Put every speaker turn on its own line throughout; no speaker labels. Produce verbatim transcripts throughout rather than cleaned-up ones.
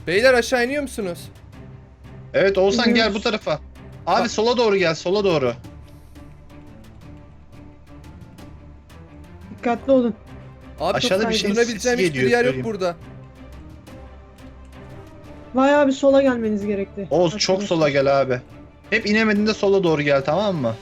Beyler aşağı iniyor musunuz?
Evet Oğuzhan gel
İniyoruz.
bu tarafa. Abi
Ha.
sola doğru gel, sola doğru.
Dikkatli olun.
Abi
Aşağıda bir şeyin
tutunabileceğim
sesi
hiçbir
geliyor,
yer yok
söyleyeyim.
burada.
Bayağı bir sola gelmeniz gerekti.
Oğuz çok
Arkadaşlar.
sola gel abi. Hep inemediğinde sola doğru gel, tamam mı?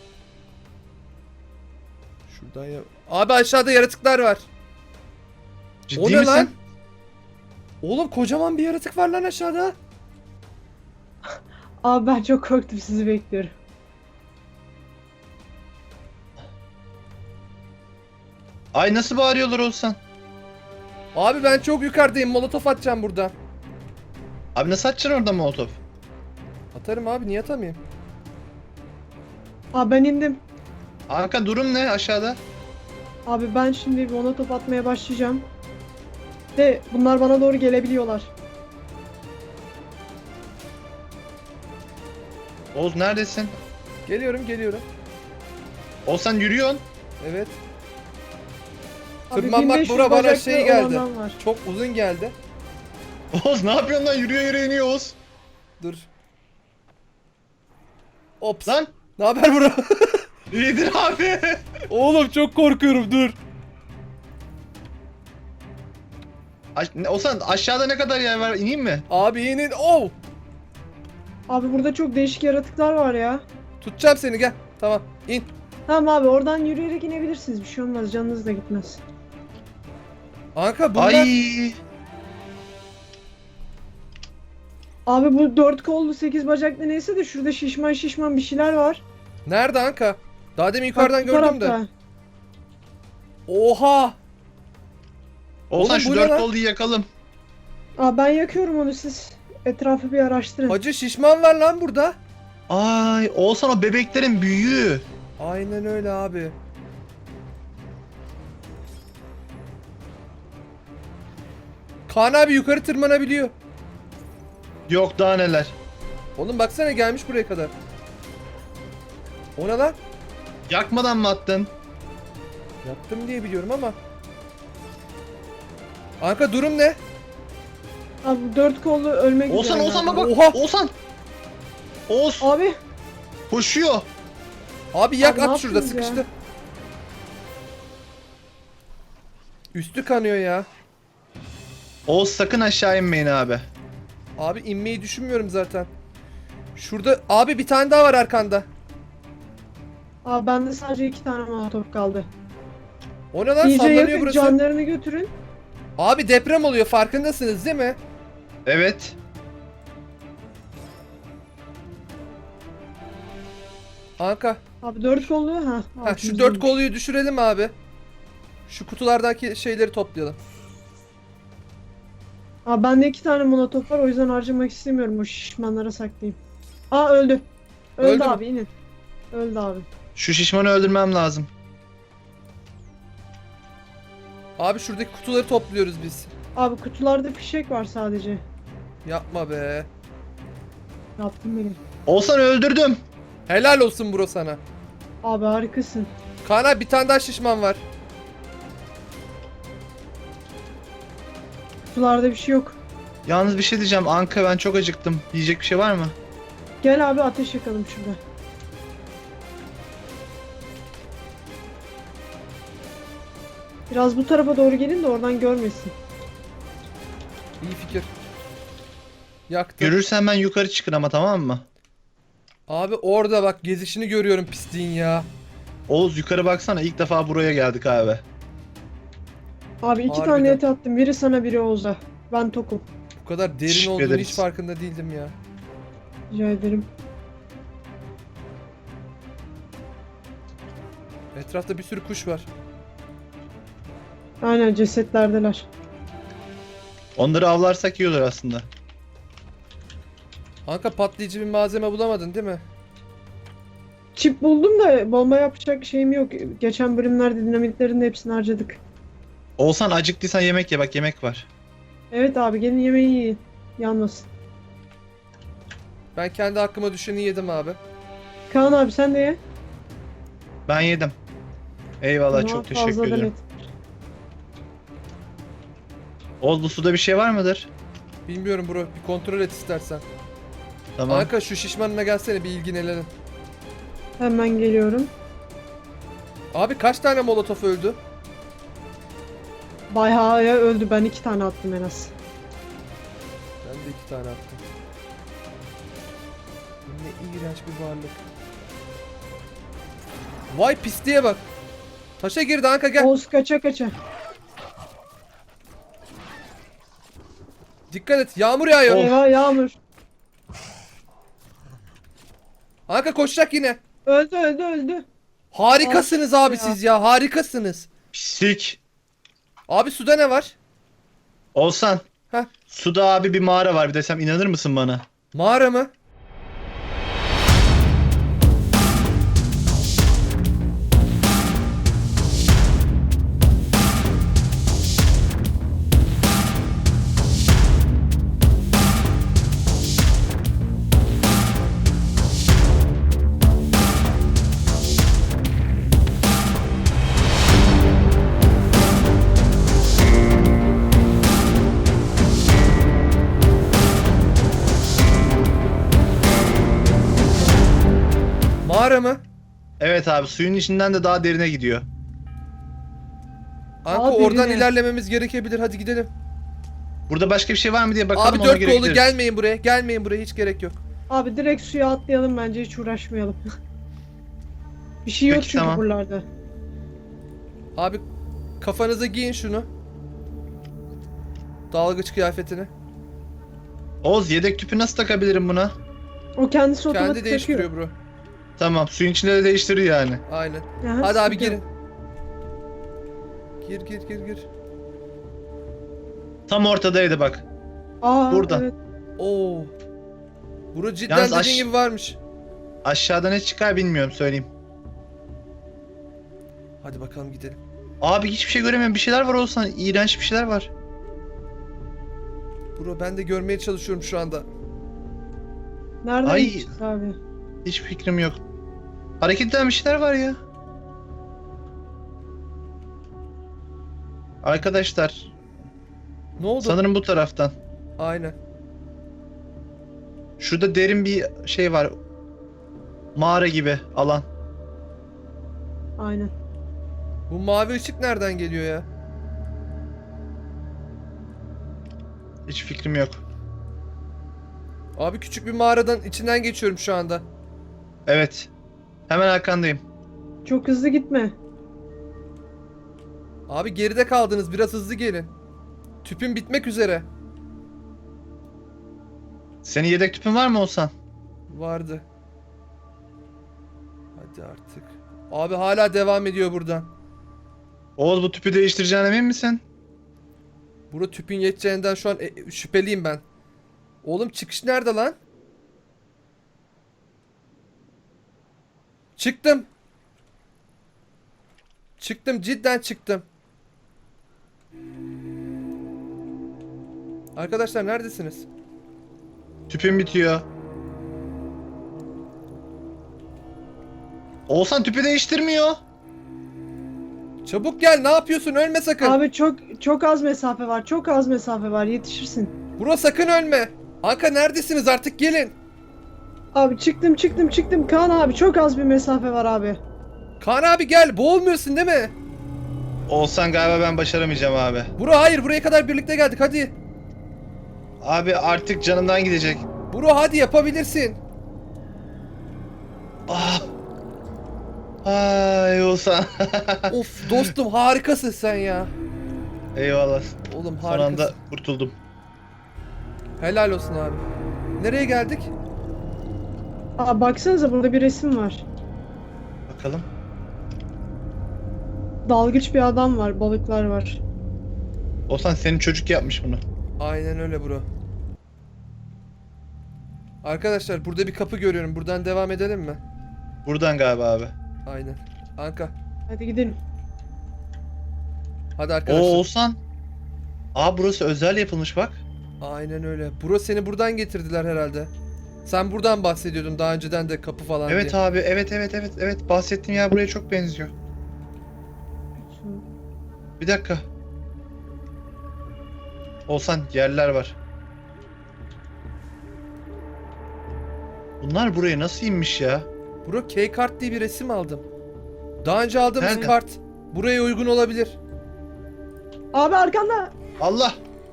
Şuradan ya. Abi aşağıda yaratıklar var.
Ciddi
O ne
misin?
lan? Oğlum kocaman bir yaratık var lan aşağıda.
Abi ben çok korktum, sizi bekliyorum.
Ay nasıl bağırıyorlar Oğuzhan?
Abi ben çok yukarıdayım. Molotof atacağım buradan.
Abi nasıl atacaksın orada molotof?
Atarım abi, niye atamayayım?
Abi ben indim.
Anka durum ne aşağıda?
Abi ben şimdi bir ona top atmaya başlayacağım. Ve bunlar bana doğru gelebiliyorlar.
Oğuz neredesin?
Geliyorum geliyorum.
Oğuzhan yürüyorsun.
Evet.
Abi
Tırmanmak
bin beş yüz
bura bana
bacaklı
şey geldi.
olandan var.
Çok uzun geldi.
Oğuz ne yapıyorsun lan? Yürüyor yürüyor iniyor Oğuz.
Dur. Ops.
Lan
Ne haber bro?
iyidir abi.
Oğlum çok korkuyorum, dur.
Aş ne- Oğuzhan aşağıda ne kadar yer var? İneyim mi?
Abi inin. Oh!
Abi burada çok değişik yaratıklar var ya.
Tutacağım seni, gel. Tamam in.
Tamam abi, oradan yürüyerek inebilirsiniz. Bir şey olmaz, canınız da gitmez.
Anka bunlar.
Ay.
Abi bu dört kollu sekiz bacaklı neyse de şurada şişman şişman bir şeyler var.
Nerede Anka? Daha demin yukarıdan
Bak, bu
gördüm de.
tarafta.
Oha!
Oğuzhan
Oğlum,
şu
bu ne
dört
lan?
kolluyu yakalım.
Aa, ben yakıyorum onu, siz etrafı bir araştırın.
Hacı şişman var lan burada.
Ay Oğuzhan o bebeklerin büyüğü.
Aynen öyle abi. Kaan abi yukarı tırmanabiliyor.
Yok daha neler.
Oğlum baksana, gelmiş buraya kadar. O ne lan?
Yakmadan mı attın?
Yaptım diye biliyorum ama. Anka durum ne?
Abi bu dört kollu ölmek
Oğuzhan
üzere
Oğuzhan bak
galiba.
bak.
Oha!
Oğuzhan. Oğuz
Abi
koşuyor.
Abi yak,
Abi ne
at şurada,
yaptınız ya?
sıkıştı. Üstü kanıyor ya.
Oğuz sakın aşağı inmeyin abi.
Abi inmeyi düşünmüyorum zaten. Şurada abi bir tane daha var arkanda.
Abi bende sadece iki tane molotof kaldı.
O ne lan,
İyice
sallanıyor
yakın,
burası.
canlarını götürün.
Abi deprem oluyor, farkındasınız değil mi?
Evet.
Anka.
Abi dört kollu ha.
Ha, şu
altımızdaymış.
dört kolluyu düşürelim abi. Şu kutulardaki şeyleri toplayalım.
Abi bende iki tane molotof var, o yüzden harcamak istemiyorum, o şişmanlara saklayayım. Aa öldü. Öldü,
Öldü mü?
abi inin. Öldü abi.
Şu şişmanı öldürmem lazım.
Abi şuradaki kutuları topluyoruz biz.
Abi kutularda fişek var sadece.
Yapma be.
Yaptım beni.
Oğuzhan öldürdüm.
Helal olsun bro sana.
Abi harikasın.
Kaan abi bir tane daha şişman var.
Kutularda bir şey yok.
Yalnız bir şey diyeceğim Anka, ben çok acıktım. Yiyecek bir şey var mı?
Gel abi, ateş yakalım şurada. Biraz bu tarafa doğru gelin de oradan görmesin.
İyi fikir. Yaktım.
Görürsen ben yukarı çıkın ama, tamam mı?
Abi orada bak, gezişini görüyorum pisliğin ya.
Oğuz yukarı baksana, ilk defa buraya geldik abi.
Abi iki
Harbiden.
tane et attım. Biri sana, biri Oğuz'a. Ben tokum.
Bu kadar derin
Teşekkür
olduğunu
ederiz.
hiç farkında değildim ya.
Rica ederim.
Etrafta bir sürü kuş var.
Aynen, cesetlerdeler.
Onları avlarsak iyi olur aslında.
Anka patlayıcı bir malzeme bulamadın değil mi?
Çip buldum da bomba yapacak şeyim yok. Geçen bölümlerde dinamitlerin de hepsini harcadık.
Oğuzhan acıktıysan yemek ye, bak yemek var.
Evet abi, gelin yemeği yiyin. Yanmasın.
Ben kendi hakkıma düşeni yedim abi.
Kaan abi sen de ye.
Ben yedim. Eyvallah,
Ama
çok teşekkür
fazladan
ederim.
et.
Oğuz bu suda bir şey var mıdır?
Bilmiyorum bro. Bir kontrol et istersen.
Tamam.
Anka şu şişmanına gelsene bir ilgilenelim.
Hemen geliyorum.
Abi kaç tane molotof öldü?
Bayağı ya öldü. Ben iki tane attım en az.
Ben de iki tane attım. Ne iğrenç bir varlık. Vay pisliğe bak. Taşa girdi Anka gel.
Oğuz kaça kaça.
Dikkat et yağmur yağıyor.
Of.
Eyvah Yağmur.
Anka koşacak yine.
Öldü öldü öldü.
Harikasınız
Abi
abi
ya.
siz ya harikasınız.
Pislik.
Abi suda ne var?
Olsan.
Heh.
Suda abi bir mağara var bir desem inanır mısın bana?
Mağara mı? Mağara mı?
Evet abi suyun içinden de daha derine gidiyor.
Anka
Abi
oradan
yine.
ilerlememiz gerekebilir. Hadi gidelim.
Burada başka bir şey var mı diye bakalım
Abi
ona
dört
göre
kollu
gideriz.
gelmeyin buraya. Gelmeyin buraya hiç gerek yok.
Abi direkt suya atlayalım bence hiç uğraşmayalım. Bir şey yok
Peki,
çünkü
tamam.
buralarda.
Abi kafanıza giyin şunu. Dalgıç kıyafetini.
Oğuz yedek tüpü nasıl takabilirim buna?
O kendisi otomatik
Kendi değiştiriyor bro.
Tamam suyun içinde de değiştiriyor yani.
Aynen.
takıyor. Aha,
Hadi abi
sıkıntı
girin.
yok.
Gir gir gir gir.
Tam ortadaydı bak.
Aa,
Burada.
Evet.
Oo. Bro cidden
Yalnız
dediğin
aş-
gibi varmış.
Aşağıda ne çıkar bilmiyorum söyleyeyim.
Hadi bakalım gidelim.
Abi hiçbir şey göremiyorum. Bir şeyler var Oğuzhan. İğrenç bir şeyler var.
Bro ben de görmeye çalışıyorum şu anda.
Nereden
Ay.
gideceğiz abi?
Hiç fikrim yok. Hareket eden bir şeyler var ya. Arkadaşlar
Ne oldu?
sanırım bu taraftan.
Aynen.
Şurada derin bir şey var. Mağara gibi alan.
Aynen.
Bu mavi ışık nereden geliyor ya?
Hiç fikrim yok.
Abi küçük bir mağaradan içinden geçiyorum şu anda.
Evet. Hemen arkandayım.
Çok hızlı gitme.
Abi geride kaldınız biraz hızlı gelin. Tüpün bitmek üzere.
Senin yedek tüpün var mı Oğuzhan?
Vardı. Hadi artık. Abi hala devam ediyor buradan.
Oğuz bu tüpü değiştireceğine emin misin?
Burada tüpün yeteceğinden şu an e, şüpheliyim ben. Oğlum çıkış nerede lan? Çıktım. Çıktım cidden çıktım. Arkadaşlar neredesiniz?
Tüpün bitiyor. Oğuzhan tüpü değiştirmiyor.
Çabuk gel ne yapıyorsun ölme sakın.
Abi çok çok az mesafe var. Çok az mesafe var. Yetişirsin.
Bro sakın ölme. Anka neredesiniz artık gelin.
Abi çıktım çıktım çıktım. Kaan abi çok az bir mesafe var abi.
Kaan abi gel boğulmuyorsun değil mi?
Oğuzhan galiba ben başaramayacağım abi.
Bro hayır buraya kadar birlikte geldik hadi.
Abi artık canımdan gidecek.
Bro hadi yapabilirsin.
Ah. Ay Oğuzhan.
Of dostum harikasın sen ya.
Eyvallah.
Oğlum
Son
harikasın.
anda kurtuldum.
Helal olsun abi. Nereye geldik?
Aa baksanıza burada bir resim var.
Bakalım.
Dalgıç bir adam var. Balıklar var.
Oğuzhan senin çocuk yapmış bunu.
Aynen öyle bro. Arkadaşlar burada bir kapı görüyorum. Buradan devam edelim mi?
Buradan galiba abi.
Aynen. Anka.
Hadi gidelim.
Hadi
Oo
arkadaşlar.
Oğuzhan. Aa burası özel yapılmış bak.
Aynen öyle. Bro seni buradan getirdiler herhalde. Sen buradan bahsediyordun daha önceden de kapı falan
Evet
diye.
abi evet evet evet evet bahsettiğim yer buraya çok benziyor. Bir dakika. Oğuzhan yerler var. Bunlar buraya nasıl inmiş ya?
Bro K-Kart diye bir resim aldım. Daha önce aldığımız
Nerede?
kart buraya uygun olabilir.
Abi arkanda.
Allah!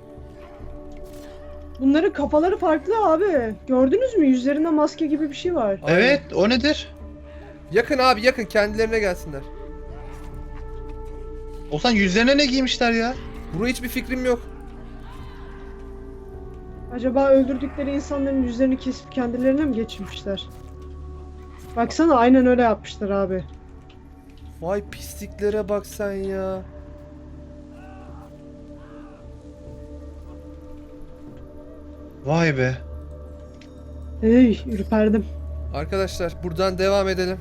Bunların kafaları farklı abi. Gördünüz mü? Yüzlerinde maske gibi bir şey var.
Aynen.
Evet, o nedir?
Yakın abi yakın, kendilerine gelsinler.
Olsan yüzlerine ne giymişler ya?
Bro hiçbir fikrim yok.
Acaba öldürdükleri insanların yüzlerini kesip kendilerine mi geçirmişler? Baksana aynen öyle yapmışlar abi.
Vay pisliklere bak sen ya.
Vay be.
Hey, ürperdim.
Arkadaşlar buradan devam edelim.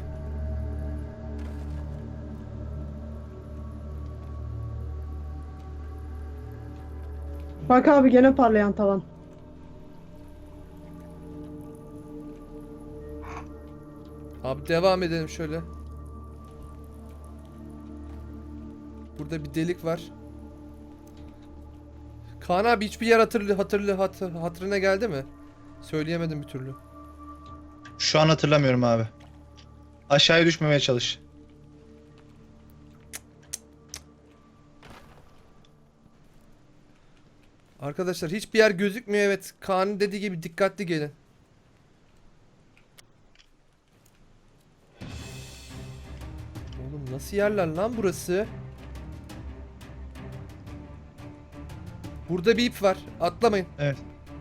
Bak abi gene parlayan tavan.
Abi devam edelim şöyle. Burada bir delik var. Kaan abi hiçbir yer hatırlı hatırlı hatır, hatırına geldi mi? Söyleyemedim bir türlü.
Şu an hatırlamıyorum abi. Aşağıya düşmemeye çalış.
Arkadaşlar hiçbir yer gözükmüyor, evet. Kaan'ın dediği gibi dikkatli gelin. Oğlum nasıl yerler lan burası? Burada bir ip var. Atlamayın.
Evet.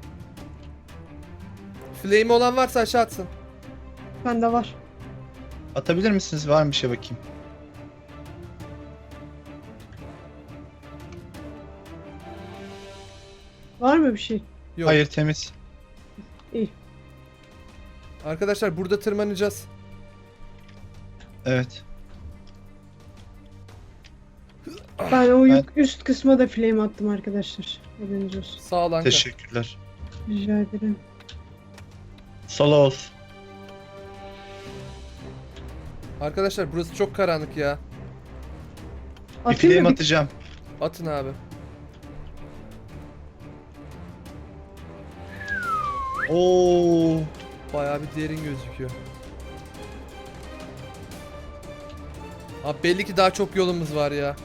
Flame olan varsa aşağı atsın.
Bende var.
Atabilir misiniz? Var mı bir şey bakayım?
Var mı bir şey?
Yok.
Hayır, temiz.
İyi.
Arkadaşlar burada tırmanacağız.
Evet.
Ben o
Ben-
yük- üst kısma da flame attım arkadaşlar. Haberiniz olsun.
Sağ ol Anka.
Teşekkürler.
Rica ederim.
Solo olsun.
Arkadaşlar burası çok karanlık ya.
Bir
Atayım
flame
mı? Bir-
atacağım.
Atın abi.
Oo.
Bayağı bir derin gözüküyor. Abi belli ki daha çok yolumuz var ya.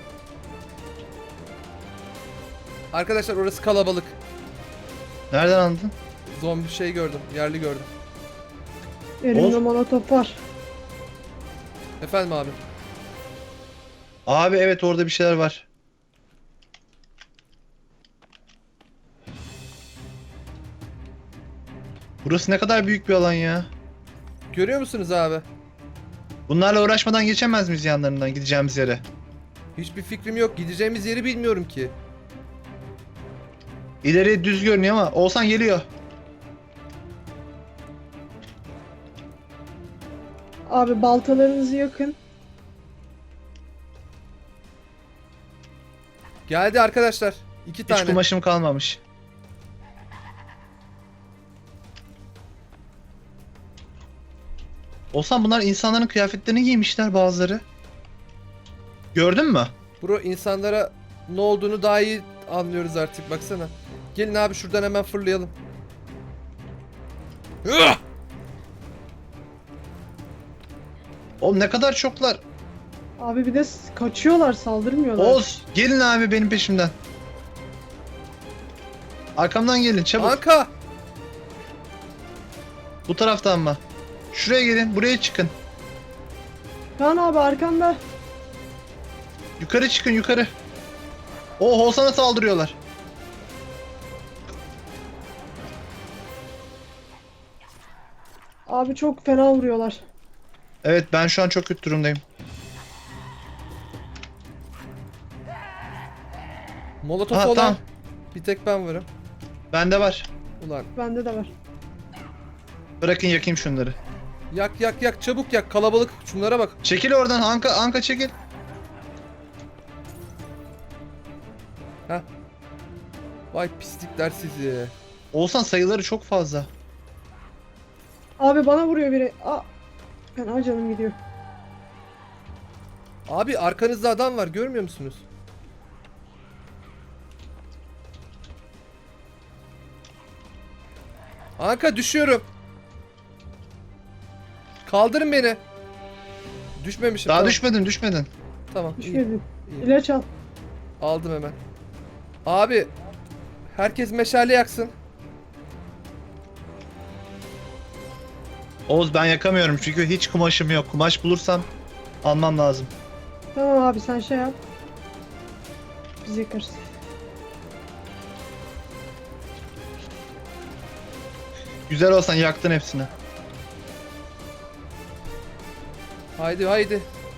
Arkadaşlar orası kalabalık.
Nereden anladın?
Zombi şey gördüm, yerli gördüm.
Elimde
Oğuz.
molotof var.
Efendim abi.
Abi evet, orada bir şeyler var. Burası ne kadar büyük bir alan ya.
Görüyor musunuz abi?
Bunlarla uğraşmadan geçemez miyiz yanlarından gideceğimiz yere?
Hiçbir fikrim yok. Gideceğimiz yeri bilmiyorum ki.
İleri düz görünüyor ama Oğuzhan geliyor.
Abi baltalarınızı yakın.
Geldi arkadaşlar. İki
Hiç
tane.
kumaşım kalmamış. Oğuzhan, bunlar insanların kıyafetlerini giymişler bazıları. Gördün mü?
Bro insanlara ne olduğunu daha iyi anlıyoruz artık, baksana. Gelin abi şuradan hemen fırlayalım. Hıh!
Oğlum ne kadar çoklar.
Abi bir de s- kaçıyorlar, saldırmıyorlar.
Oğuz gelin abi benim peşimden. Arkamdan gelin çabuk.
Anka!
Bu taraftan mı? Şuraya gelin, buraya çıkın.
Kaan abi arkanda.
Yukarı çıkın yukarı. O Oğuzhan'a saldırıyorlar.
Abi çok fena vuruyorlar.
Evet, ben şu an çok kötü durumdayım.
Molotof
Ha,
olan
tamam.
bir tek ben varım.
Bende var.
Ulan
Bende de var.
Bırakın yakayım şunları.
yak yak yak, çabuk yak, kalabalık, şunlara bak.
Çekil oradan Anka, Anka çekil.
Heh. Vay pislikler sizi.
Oğuzhan sayıları çok fazla.
Abi bana vuruyor biri. Aa. Fena canım gidiyor.
Abi arkanızda adam var, görmüyor musunuz? Anka düşüyorum. Kaldırın beni. Düşmemişim.
Daha
tamam.
düşmedin düşmedin.
Tamam. iyi,
Düşmedin.
iyi.
İlaç al.
Aldım hemen. Abi herkes meşale yaksın.
Oğuz ben yakamıyorum çünkü hiç kumaşım yok. Kumaş bulursam almam lazım.
Tamam abi sen şey yap. Biz yakarız.
Güzel olsan yaktın hepsini.
Haydi haydi.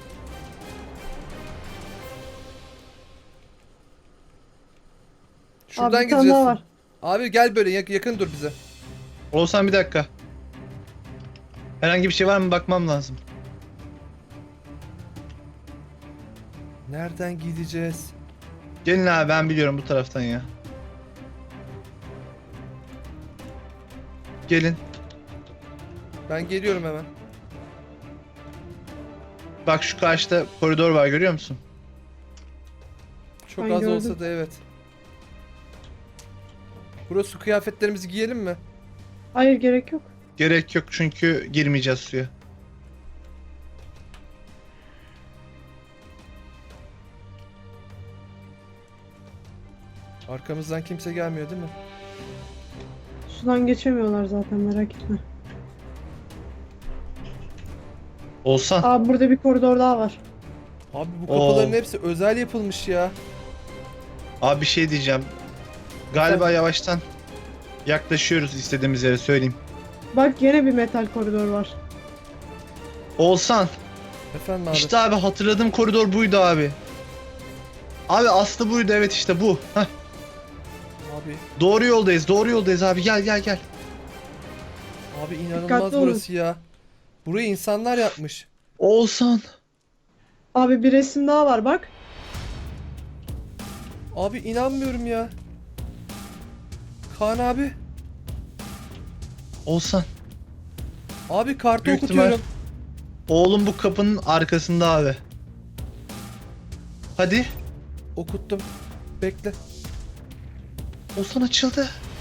Şuradan
abi bir tane
gideceğiz.
daha var.
Abi gel böyle yak- yakın dur bize.
Oğuzhan bir dakika. Herhangi bir şey var mı bakmam lazım.
Nereden gideceğiz?
Gelin abi ben biliyorum bu taraftan ya. Gelin.
Ben geliyorum hemen.
Bak şu karşıda koridor var görüyor musun?
Çok
Ben
az
gördüm.
olsa da evet. Burası kıyafetlerimizi giyelim mi?
Hayır gerek yok.
Gerek yok çünkü girmeyeceğiz suya.
Arkamızdan kimse gelmiyor değil mi?
Sudan geçemiyorlar zaten merak etme.
Oğuzhan.
Abi burada bir koridor daha var.
Abi bu kapıların
Oo.
hepsi özel yapılmış ya.
Abi bir şey diyeceğim. Galiba
Efendim?
yavaştan yaklaşıyoruz istediğimiz yere söyleyeyim.
Bak yine bir metal koridor var.
Oğuzhan.
Efendim abi.
İşte abi hatırladığım koridor buydu abi. Abi aslı buydu evet işte bu. Heh,
Abi,
doğru yoldayız doğru yoldayız abi gel gel gel.
abi inanılmaz
Dikkatli olun.
burası ya. Burayı insanlar yapmış.
Oğuzhan.
Abi bir resim daha var bak.
Abi inanmıyorum ya. Kaan abi.
Oğuzhan.
Abi kartı
Büyük
okutuyorum.
Oğlum bu kapının arkasında abi. Hadi.
Okuttum. Bekle.
Oğuzhan açıldı.